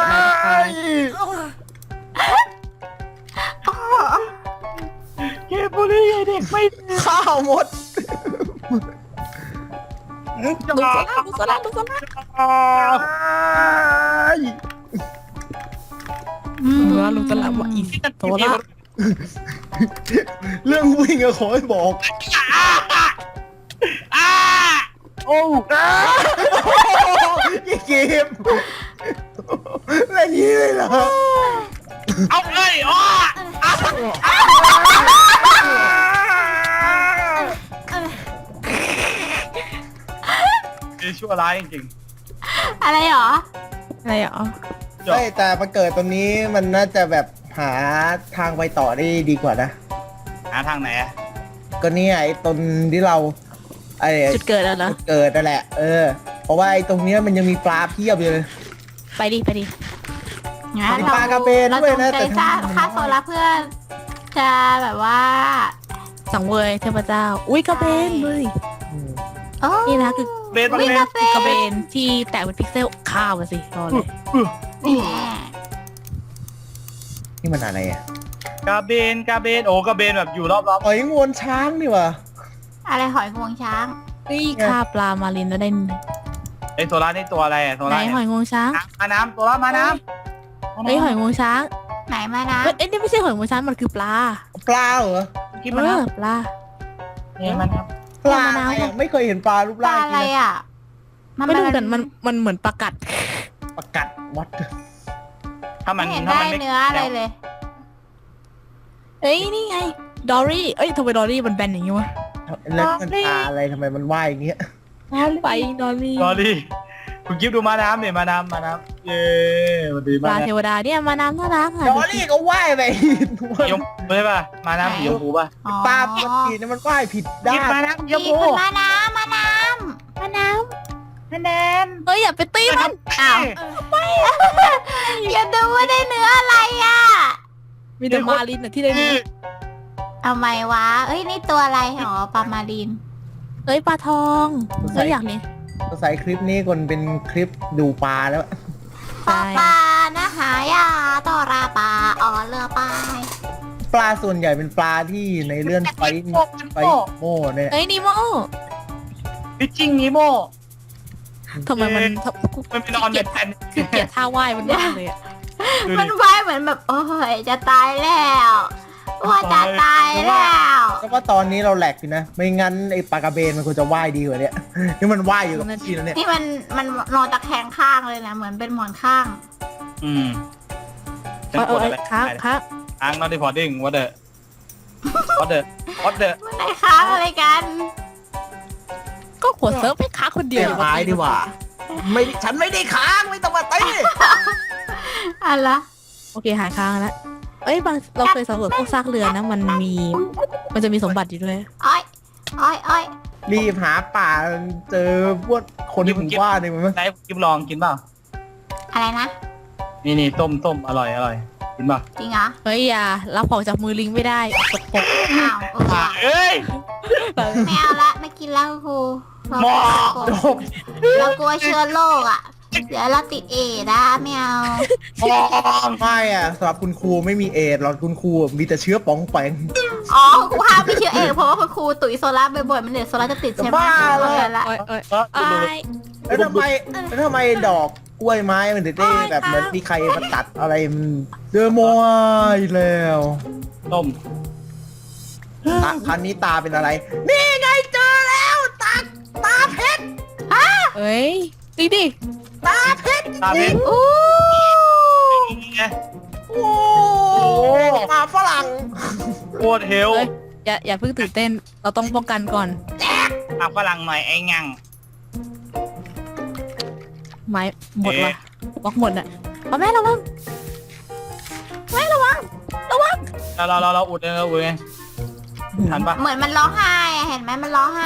[SPEAKER 2] เกมบุรีเด็กไม่
[SPEAKER 4] ข้าวหมด
[SPEAKER 3] ดูโซล่าดูโซล่าดูโซล่า โซล่าลูกโซล่าว่าอีโซล่า
[SPEAKER 4] เรื่องวิ่งอะขอให้บอก
[SPEAKER 2] โอ้
[SPEAKER 4] ยี่เกมเล่นนี้เลยเหรอ
[SPEAKER 2] เอาเลยอ๋อชั่วร้ายจริง
[SPEAKER 1] อะไรหรอ
[SPEAKER 3] อะไรอ่ะ
[SPEAKER 2] ๆ
[SPEAKER 4] ใช่แต่มาเกิดตรงนี้มันน่าจะแบบหาทางไปต่อได้ดีกว่านะ
[SPEAKER 2] หาทางไหนอะ
[SPEAKER 4] ก็เนี่ยไอ้ตรงที่เราไอ้
[SPEAKER 3] จุดเกิดแล้วเหรอ
[SPEAKER 4] จุดเกิดนั่นแหละ เพราะว่าไอ้ตรงเนี้ยมันยังมีปลาเพียบอยู่เลย
[SPEAKER 3] ไปดิไปดิ
[SPEAKER 1] งั้น
[SPEAKER 4] ปลากระเบน
[SPEAKER 1] เรา
[SPEAKER 4] ด้วย
[SPEAKER 1] จง
[SPEAKER 4] นะ
[SPEAKER 1] ใจ
[SPEAKER 4] แต่
[SPEAKER 1] ฆ่าโซล่าเพื่อจะแบบว่า
[SPEAKER 3] สังเวยเทพเจ้า อุ้ยกระเบนเลย
[SPEAKER 1] โอ้
[SPEAKER 3] นี่นะคือ
[SPEAKER 2] เบน
[SPEAKER 1] วิ่งกระเบ
[SPEAKER 3] กระเบ
[SPEAKER 1] น
[SPEAKER 3] นที่แตกเป็นพิกเซลข้าวอะสิรอเลย
[SPEAKER 4] นี่มันอะไรอ่ะ
[SPEAKER 2] กระเบนโอ้กระเบนแบบอยู่รอบ
[SPEAKER 4] หอยงวนช้างนี่วะ
[SPEAKER 1] อะไรหอยงวงช้าง
[SPEAKER 3] นี่ฆ่าปลามารินแล้วได้
[SPEAKER 2] ๆไอ้โซล่านี่ตัวอะไรอะโซ
[SPEAKER 3] ไหน
[SPEAKER 2] ล่า
[SPEAKER 3] หอยงวงช้าง
[SPEAKER 2] มาน้ำโซล่ามาน้ำ
[SPEAKER 3] เฮ้ยหอยงวงช้าง
[SPEAKER 1] ไหนมานะ
[SPEAKER 3] เอ้ยนี่ไม่ใช่หอยงวงช้างมันคือปลา
[SPEAKER 4] ปลาเหรอ
[SPEAKER 2] กินมาน้
[SPEAKER 3] ปลา
[SPEAKER 2] ำเนี่ยมาน้
[SPEAKER 4] ปลาอะไรอะไม่เคยเห็นปลารูป
[SPEAKER 1] ป
[SPEAKER 4] ร่า
[SPEAKER 1] ลาง อะไร
[SPEAKER 4] นี้นะ
[SPEAKER 1] อ่ะ
[SPEAKER 3] ไม่รู้กันมันเหมือนปลากัด
[SPEAKER 4] ประกัดวัด
[SPEAKER 2] ำถ้า
[SPEAKER 1] ไม่
[SPEAKER 2] มัน
[SPEAKER 1] เห็น
[SPEAKER 2] ถ้า
[SPEAKER 1] ได้
[SPEAKER 2] มันไม่
[SPEAKER 1] เนื้ออะไรเลย
[SPEAKER 3] เอ้ยนี่ไงดอรี่เอ้ยทำไมดอรี่มันแบนอย่างงี้วะ
[SPEAKER 4] แล้วมันปลาอะไรทำไมมันว่ายอย่างเงี้ย
[SPEAKER 3] ไปดอรี่
[SPEAKER 2] ดอรี่คุณกิฟดูมาน้ำเนี่ยมาน้ำเย้มาดี
[SPEAKER 3] ป
[SPEAKER 2] มา
[SPEAKER 3] ลา
[SPEAKER 2] น้
[SPEAKER 3] เทวดาเนี่ยมาน้ำน่ารักอ่ะ
[SPEAKER 4] ดอลลี่ก็ว่ายไป
[SPEAKER 2] ำยมใช่ป่ะมาน้ำสีชมพูป่ะ
[SPEAKER 1] อ๋อ
[SPEAKER 4] ปลาปกติเนี่ยมันว่ายผิดด้า
[SPEAKER 2] กิฟ
[SPEAKER 4] น
[SPEAKER 2] มาน้ำสีชม
[SPEAKER 1] มี
[SPEAKER 2] พู
[SPEAKER 1] คนมาน้ำ
[SPEAKER 3] มาน้
[SPEAKER 5] คะแนน
[SPEAKER 3] ำเฮ้ยอย่าไปตีมัน
[SPEAKER 1] อ้าวอย่าดูว่าได้เนื้ออะไรอ่ะ
[SPEAKER 3] มีแต่มาลินอะที่ได้นี่
[SPEAKER 1] เอาไหมวะ เอ้ยนี่ตัวอะไรอ๋อปลามารีน
[SPEAKER 3] เฮ้ยปลาทองเฮ้ยอยากนี่
[SPEAKER 4] ใส่คลิปนี้คนเป็นคลิปดูปลาแล้ว
[SPEAKER 1] ปลาปลานะหายาต่อราปลาอ๋อเรือปลา
[SPEAKER 4] ปลาส่วนใหญ่เป็นปลาที่ในเรื่องไฟโม่เนี่ย
[SPEAKER 3] เฮ้ยนิโม
[SPEAKER 2] พิชชิ่งนิโม
[SPEAKER 3] ทำไมมัน
[SPEAKER 2] มันไปนอนในแผ่น
[SPEAKER 3] คือเกลียดท่าว่ายมันมากเลยอะ
[SPEAKER 2] ดู
[SPEAKER 1] มั
[SPEAKER 2] ดิ
[SPEAKER 1] นว่ายเหมือนแบบโอ้ยจะตายแล้วว่าจะตายแล้ว
[SPEAKER 4] ก็ว่าตอนนี้เราแหลกอยู่นะ ไม่งั้นไอ้ปลากระเบนมันควรจะว่ายดีกว่าเนี้ยนี่มันว่ายอยู่กับที่แล้วเนี่ย
[SPEAKER 1] นี่มันนอนตะแคงข้างเลยนะเหมือนเป็นหมอนข้าง
[SPEAKER 2] อืม
[SPEAKER 3] เออค้าง
[SPEAKER 2] ค้างนอนที่พอดิ้งวัดเดอร์วัดเดอร์
[SPEAKER 1] มันได้ค้างอะไรกัน
[SPEAKER 3] ก็หัวเซิร์ฟให้ค้างคนเดียว
[SPEAKER 4] เดี๋ยวไม้ดีกว่า ไม่ฉันไม่ได้ค้างไม่ต้องมาตี
[SPEAKER 1] อะไรละ
[SPEAKER 3] โอเคหายค้างแล้วเอ้ยบางเราเคยสำรวจพวกซากเรือนะมันจะมีสมบัติอยู่ด้วย
[SPEAKER 1] อ้อยอ้อยอ้อย
[SPEAKER 4] รีบหาป่าเจอพวกคนที่ผมว่าเนี่ยมัน
[SPEAKER 2] ไหนกิฟลองกินเปล่า
[SPEAKER 1] อะไรนะ
[SPEAKER 2] นี่ต้มอร่อยกินเปล่า
[SPEAKER 1] จริงเหรอ
[SPEAKER 3] เฮ้ยอย่ารับของจากมือลิงไม่ได้กดปก
[SPEAKER 1] อ้าวเออ
[SPEAKER 2] เอ้ย
[SPEAKER 1] ไม่เอาละไม่กินแล้วครู
[SPEAKER 2] หมอ
[SPEAKER 4] จบ
[SPEAKER 1] เรากลัวเชื้อโรคอ่ะ เดี๋ยวเราติดเอดนะไม่เอา
[SPEAKER 4] ไม่อะสำหรับคุณครูไม่มีเอดส์หรอกคุณครูมีแต่เชื้อป๋องแปง
[SPEAKER 1] อ๋อครูห้ามไม่เชื้อเอดเพราะว่าคุณครูตุ๋ยโซล่าบ่อยๆมันเดี๋ยวโซล่าจะติดใช่ไหม
[SPEAKER 4] บ้าเลย
[SPEAKER 1] ละ
[SPEAKER 3] เอ้ย
[SPEAKER 2] ก็ดู
[SPEAKER 4] แล้วทำไมดอกกล้วยไม้มันถึงได้แบบเหมือนมีใครมาตัดอะไรมันเดอโมอีกแล้ว
[SPEAKER 2] ต้ม
[SPEAKER 4] ครั้งนี้ตาเป็นอะไร นี่ไงเจอแล้วตาเพชร
[SPEAKER 3] เอ้ยดิ
[SPEAKER 4] ตาเพชร
[SPEAKER 2] ตาเพชร
[SPEAKER 1] อู้
[SPEAKER 2] ไง
[SPEAKER 4] โอ้ตาฝรั่ง
[SPEAKER 2] โคตรเฮล
[SPEAKER 3] เอ้ยอย่าเพิ่งตื่นเต้นเราต้องป้องกันก่อน
[SPEAKER 2] ตาฝรั่งหน่อยไอ้งัง
[SPEAKER 3] ไม้หมดว่ะบล็อกหมดอ่ะเอาแม่ระวัง
[SPEAKER 2] เราอุดไงทันปะ
[SPEAKER 1] เหมือนมันร้องไห้อะเห็นไหมมันร้องไห้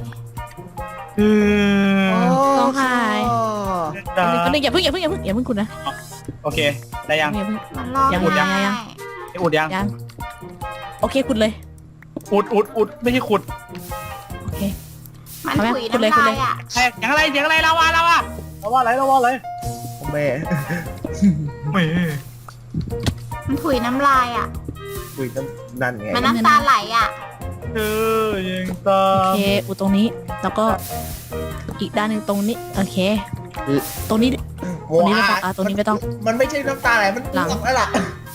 [SPEAKER 3] ต้องหายก็นึงอย่าเพิ่งคุณนะ
[SPEAKER 2] โอเคได้ยัง
[SPEAKER 3] อย่าเพิ่ง
[SPEAKER 1] มันร้อง
[SPEAKER 3] ยังอุดยัง
[SPEAKER 1] ไห้
[SPEAKER 2] อุดยัง
[SPEAKER 3] ยังโอเคคุณเลย
[SPEAKER 2] อุดไม่ใช่ขุด
[SPEAKER 3] โอเค
[SPEAKER 1] มัน
[SPEAKER 3] เอาไหม
[SPEAKER 1] ถุย
[SPEAKER 3] คุณเลย
[SPEAKER 1] น้ำ
[SPEAKER 3] คุณ
[SPEAKER 1] ลา
[SPEAKER 3] เลย
[SPEAKER 1] ยอ่ะ
[SPEAKER 2] เสียงอะไรเราว่าอะไร
[SPEAKER 4] แม่
[SPEAKER 2] แม่
[SPEAKER 1] มันถุยน้ำลายอ่ะ
[SPEAKER 4] คุยนั่นไง
[SPEAKER 1] มันน้ำตาไหลอ่ะ
[SPEAKER 2] เธอยังตา
[SPEAKER 3] โอเคอุดตรงนี้แล้วก็อีกด้านหนึ่งตรงนี้โอเค ตรงนี้
[SPEAKER 4] โม
[SPEAKER 3] ตรงนี้ไม่
[SPEAKER 4] อา
[SPEAKER 3] ต้องตรงนี้ไม่ต้อง
[SPEAKER 4] มันไม่ใช่น้ำตาไหลมัน
[SPEAKER 3] หลัง
[SPEAKER 4] อ้วกแล้วล่ะ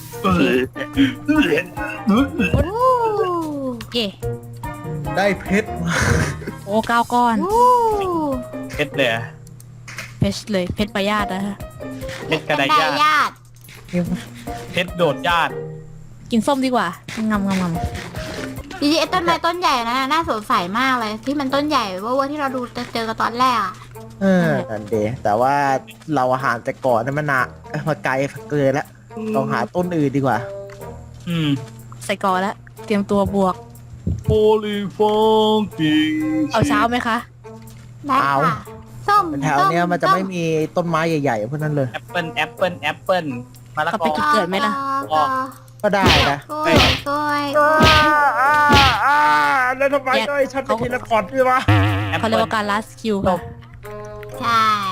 [SPEAKER 3] เย่
[SPEAKER 4] ได้เพชรมา
[SPEAKER 3] โอ้9 ก้อน
[SPEAKER 1] อู้
[SPEAKER 2] เพชรเลย
[SPEAKER 3] เพชรเลยเพชรประหยัดนะฮะ
[SPEAKER 2] เพชรกระไดญาติ
[SPEAKER 1] ญาติ
[SPEAKER 2] เพชรโดดญาติ
[SPEAKER 3] กินส้มดีกว่างำ
[SPEAKER 1] จริงๆไอ้ต้นไม้ต้นใหญ่นะน่าสงสัยมากเลย ที่มันต้นใหญ่เว่าที่เราดูเจอกันตอนแรกอ่ะ
[SPEAKER 4] นั่นเดแต่ว่าเราอาหารแต่ก่อนนั้นมันมาไกลเกินแล้วต้องหาต้นอื่นดีกว่า
[SPEAKER 3] ใส่กอแล้วเตรียมตัวบวก
[SPEAKER 2] โพลีฟองกิง
[SPEAKER 3] เอาเช้าไหมคะ
[SPEAKER 1] ได้ค่ะส้ม
[SPEAKER 4] แถวเนี้ยมันจะไม่มีต้นไม้ใหญ่ๆพวกนั้นเลย
[SPEAKER 2] แอปเปิ้ลมะละก
[SPEAKER 3] ไป
[SPEAKER 2] อ
[SPEAKER 3] จุดเกิดไหมล่ะ
[SPEAKER 4] ก็ได้นะ
[SPEAKER 1] กล้วยกล้วย
[SPEAKER 4] แล้วทำไมได้ฉันเป็นเทเลพอร์ตด้วยวะ
[SPEAKER 3] เขาเรียกว่าการลัสคิวค่ะ
[SPEAKER 1] ใช่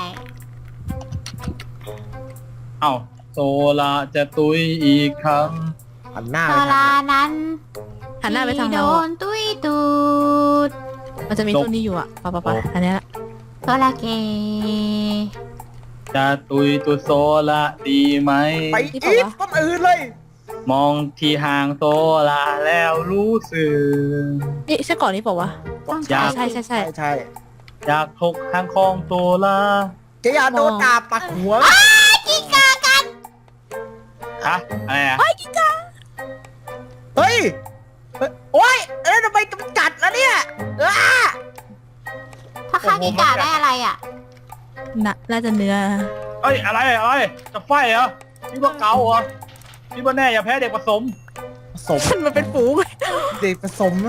[SPEAKER 2] เอ้าโซลาจะตุยอีกครั้ง
[SPEAKER 4] หันหน้า
[SPEAKER 1] โซ
[SPEAKER 4] ไปทาง
[SPEAKER 1] ลานั้น
[SPEAKER 3] หันหน้าไปทาง
[SPEAKER 1] โด
[SPEAKER 3] เรา
[SPEAKER 1] นตุ้ยตูด
[SPEAKER 3] มันจะมีต้นนี้อยู่อ่ะปะอันนี้ละ
[SPEAKER 1] โซลาเก
[SPEAKER 2] จะตุยตัวโซลาดีไหม
[SPEAKER 4] ไปอีกต้นอื่นเลย
[SPEAKER 2] มองที่ห่างโซลาแล้วรู้สึก
[SPEAKER 3] นี่ใช่ก่อนนี้เปล่าวะ
[SPEAKER 2] อยาก
[SPEAKER 3] ใช่
[SPEAKER 4] ใช่
[SPEAKER 2] อยากทกทางคลองโซลา
[SPEAKER 4] จะอย่าโดนดาบปักหัว
[SPEAKER 1] กินกากัน
[SPEAKER 2] ฮะอะไรอ่ะ
[SPEAKER 4] เฮ้ยโอ้ยทำไมกำจัดแล้วเนี่ย
[SPEAKER 1] ถ้าฆ่ากินกาได้อะไรอ่ะ
[SPEAKER 3] น่าจะเนื้อ
[SPEAKER 2] เอ้ยอะไรจะไฟเหรอนี่ว่าเกาเหรอนี่ว่าแน่อย่าแพ้เด็กผสม
[SPEAKER 4] ผสม
[SPEAKER 3] มันเป็นฝูง
[SPEAKER 4] เด็กผสม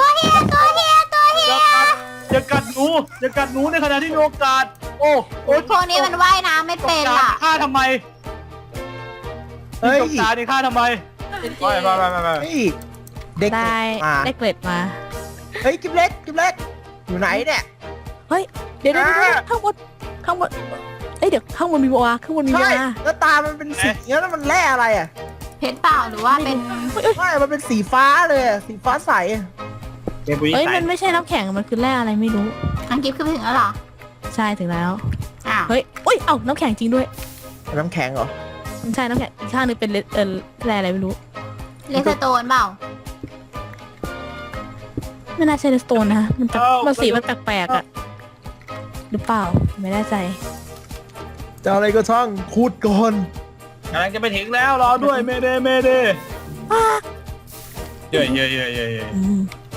[SPEAKER 2] อย่ากัดหนูในขณะที่มีโอกาสโอ้
[SPEAKER 1] พวกนี้มันว่ายน้ำไม่เป็นล่ะ
[SPEAKER 2] ฆ่าทำไม
[SPEAKER 4] เฮ้ย
[SPEAKER 2] จกตานี่ฆ่าทำไมไป
[SPEAKER 4] เฮ้ยเด็ก
[SPEAKER 3] ได้
[SPEAKER 4] มา
[SPEAKER 3] ได้เกล็ดมา
[SPEAKER 4] เฮ้ยกิ๊บเล็กอยู่ไหนเนี่ย
[SPEAKER 3] เฮ้ยเดี๋ยวข้างบนเอ้ยเดี๋ยวข้างบนมีบัวข้างบนมี
[SPEAKER 4] ใช่
[SPEAKER 3] บัว
[SPEAKER 4] แล้วตามันเป็นสีเงี้ยแล้วมันแร่อะไรอ่ะ
[SPEAKER 1] เพชรเปล่าหรือว่าเป็น
[SPEAKER 4] ไม่มันเป็นสีฟ้าเลยอะสีฟ้าใส
[SPEAKER 2] เกมบุรี
[SPEAKER 3] เอ้ย
[SPEAKER 2] ใส่
[SPEAKER 3] มันไม่ใช่น้ำแข็งมันคือแร่อะไรไม่รู้
[SPEAKER 1] อังกิฟขึ้นไปถึงแล้วเหรอ
[SPEAKER 3] ใช่ถึงแล้ว
[SPEAKER 1] อ้าว
[SPEAKER 3] เฮ้ยอุ้ยเอ้าน้ำแข็งจริงด้วย
[SPEAKER 4] น้ำแข็งเหรอ
[SPEAKER 3] มันใช่น้ำแข็งอีกข้างหนึงเป็นแร่อะไรไม่รู้
[SPEAKER 1] เลสโตนเปล่า
[SPEAKER 3] ไม่น่าใช่เลสโตนนะมันสีมันแปลกๆอะหรือเปล่าไม่แน่ใจ
[SPEAKER 4] จะอะไรก็ช่างขุดก่อน
[SPEAKER 2] กำลังจะไปถึงแล้วรอด้วยเมเดเย่
[SPEAKER 3] อืม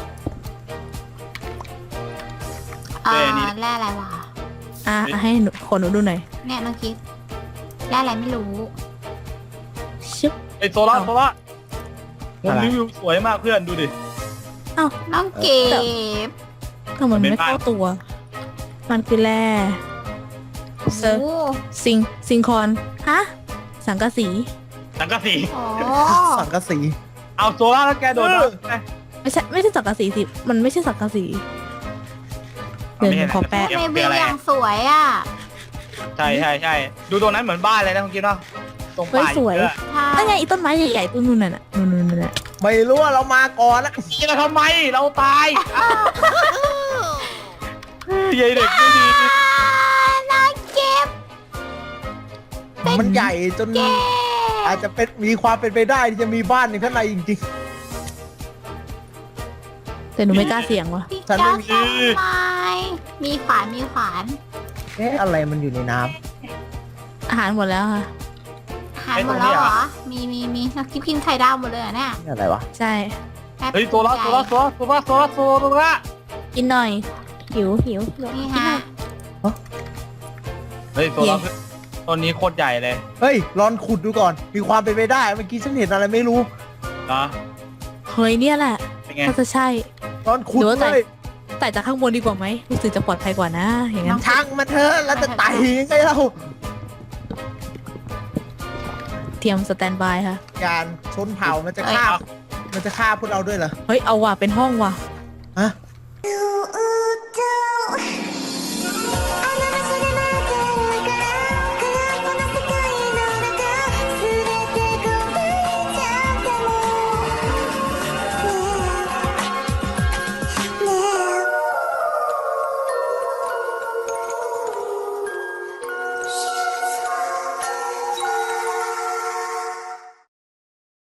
[SPEAKER 1] แร่อะไรวะ
[SPEAKER 3] ให้หนูดูหน่อย
[SPEAKER 1] เนี่ยน้องกิฟแร่อะไรไม่รู้
[SPEAKER 3] ชึบ
[SPEAKER 2] ไอโซล่าผมรีวิวสวยมากเพื่อนดูดิ
[SPEAKER 1] น้องกิฟ
[SPEAKER 3] ก็เหมือนไม่เข้าตัว มันคือแร่เซอร์
[SPEAKER 1] โอ้
[SPEAKER 3] ซิงคอนฮะสังกะสี
[SPEAKER 2] สังกะสี
[SPEAKER 1] โห
[SPEAKER 4] สังกะสี
[SPEAKER 2] เอาโซล่าแล้วแกโดน
[SPEAKER 3] ไม่ใช่สังกะสีสิมันไม่ใช่สังกะสีเดี๋ยวหนูขอแปะ
[SPEAKER 1] ในวิวอย่างสวยอ่ะ
[SPEAKER 2] ใช่ดูตรงนั้นเหมือนบ้านเลยนะคุณกิ๊ฟเนาะตรงป่า
[SPEAKER 3] สวย
[SPEAKER 1] ใช่
[SPEAKER 3] นั่นไงอีต้นไม้ใหญ่ๆต้นนู่นน่ะนู่นน่ะ
[SPEAKER 4] ไม่รู้ว่าเรามาก่อนแล้ว
[SPEAKER 2] นี่เราทำไมเราตายเด็กไม่ดี
[SPEAKER 1] น้องกิฟ
[SPEAKER 4] มันใหญ่จน
[SPEAKER 1] เย้
[SPEAKER 4] อาจจะเป็นมีความเป็นไปได้ที่จะมีบ้านในข้างในจริง
[SPEAKER 3] แต่หนูไม่กล้าเสี่ยงว่ะ
[SPEAKER 1] พี่
[SPEAKER 4] ฉัน
[SPEAKER 1] เจ้า
[SPEAKER 4] ไม่มี
[SPEAKER 1] ทำไมมีขวาน
[SPEAKER 4] ๆเอ๊ะอะไรมันอยู่ในน้
[SPEAKER 3] อาหารหมดแล้วค่ะ
[SPEAKER 1] หายหมดแล้วเหรอ มีน้องกิฟกินไข่ดาวหมดเลยเหรอเนี่ย
[SPEAKER 4] ำนี่อะไรวะ
[SPEAKER 3] ใช่
[SPEAKER 1] แป๊บ
[SPEAKER 2] เฮ้ยโซล่า
[SPEAKER 3] กินหน่อยหิว
[SPEAKER 1] นี่ฮะ
[SPEAKER 2] เฮ้ยโซล่าต้นนี้โคตรใหญ่เลย
[SPEAKER 4] เฮ้ยลองขุดดูก่อน มีความเป็นไปได้เมื่อกี้ฉันเห็นอะไรไม่รู้
[SPEAKER 2] นะ
[SPEAKER 3] เฮ้ยเนี่ยแหละ
[SPEAKER 2] เป็นไง
[SPEAKER 3] ก็จะใช่
[SPEAKER 4] ลองขุด
[SPEAKER 3] หรือว่า
[SPEAKER 4] เลย
[SPEAKER 3] ไต่จากข้างบนดีกว่าไหมรู้สึกจะปลอดภัยกว่านะอย่างนั้น
[SPEAKER 4] ช่างมาเถอะแล้วจะไต่ยังไงเรา
[SPEAKER 3] เตรียมสแตนบายค่ะ
[SPEAKER 4] ยานชนเผ่ามันจะฆ่าพวกเราด้วยเหรอ
[SPEAKER 3] เฮ้ยเอาว่ะเป็นห้องว่ะ
[SPEAKER 4] ฮะ